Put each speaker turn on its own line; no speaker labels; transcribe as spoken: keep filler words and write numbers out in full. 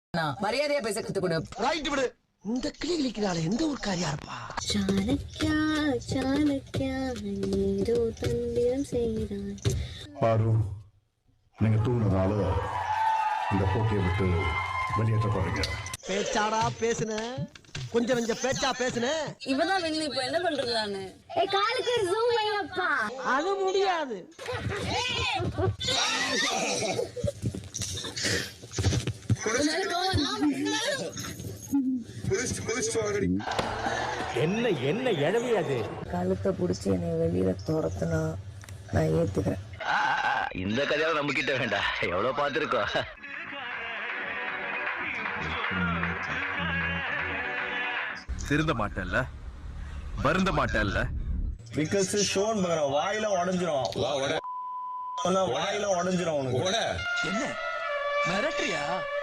மரியாதையா பேச கத்து கொடு. ரைட் விடு. இந்த கிளி கிளிக்கிறாளே எந்த ஒரு காரியா இருப்பா.
சாணக்கியா சாணக்கியா நீரோ தந்திரம் செய்தான்.
பாரு, நீங்க தூங்குனதால இந்த போட்டியை விட்டு வெளியேற்றப்படுறீங்க.
பேச்சாடா பேசுன, கொஞ்சம் கொஞ்சம் பேச்சா பேசுன.
இவதான் வெளிய இப்ப என்ன பண்றதானே? ஏய் காலுக்கு ஜூம் பண்ணப்பா.
அது முடியாது.
என்ன என்ன எழவி அது?
கழுத்தை புடிச்சு என்னை வெளியில துரத்துனா நான் ஏத்துக்கிறேன்.
இந்த கதையால நம்ம கிட்ட வேண்டாம், எவ்வளவு பார்த்திருக்கோம்.
திருந்த மாட்டல்ல, வருந்த மாட்டல்ல.
பிகாஸ் ஷோன் பகற வாயில உடைஞ்சிரும். வா உட. வாயில உடைஞ்சிரும் உனக்கு.
என்ன மிரட்டறியா?